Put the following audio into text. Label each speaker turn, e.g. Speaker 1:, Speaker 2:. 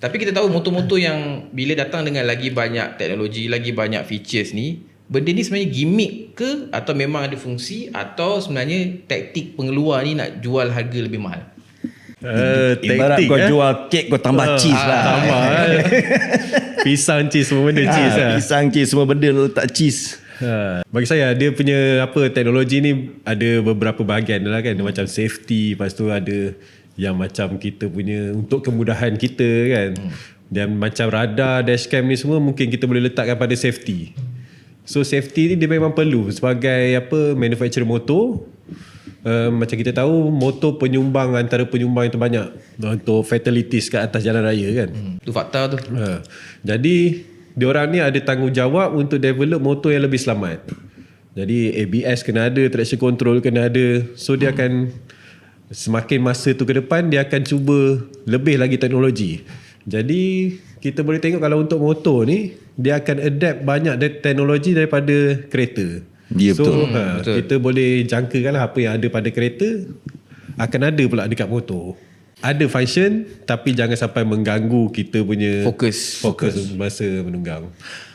Speaker 1: Tapi kita tahu motor-motor yang bila datang dengan lagi banyak teknologi, lagi banyak features ni, benda ni sebenarnya gimmick ke atau memang ada fungsi, atau sebenarnya taktik pengeluar ni nak jual harga lebih mahal?
Speaker 2: Ibarat
Speaker 3: taktik,
Speaker 2: kau jual kek, kau tambah cheese lah.
Speaker 3: Tambah pisang, cheese, semua benda cheese lah.
Speaker 2: Pisang, cheese, semua benda letak cheese.
Speaker 3: Bagi saya dia punya teknologi ni ada beberapa bahagian lah kan. Macam safety, lepas tu ada yang macam kita punya untuk kemudahan kita kan. Dan macam radar, dashcam ni semua mungkin kita boleh letakkan pada safety. So safety ni dia memang perlu sebagai manufacturer motor. Macam kita tahu motor antara penyumbang yang terbanyak untuk fatalities kat atas jalan raya kan.
Speaker 1: Tu fakta tu.
Speaker 3: Jadi diorang ni ada tanggungjawab untuk develop motor yang lebih selamat. Jadi ABS kena ada, traction control kena ada. So dia akan semakin masa tu ke depan dia akan cuba lebih lagi teknologi. Jadi kita boleh tengok kalau untuk motor ni dia akan adapt banyak teknologi daripada kereta.
Speaker 2: Ya,
Speaker 3: So
Speaker 1: betul.
Speaker 3: kita boleh jangkakan lah apa yang ada pada kereta akan ada pula dekat motor. Ada function tapi jangan sampai mengganggu kita punya
Speaker 1: Fokus.
Speaker 3: masa menunggang.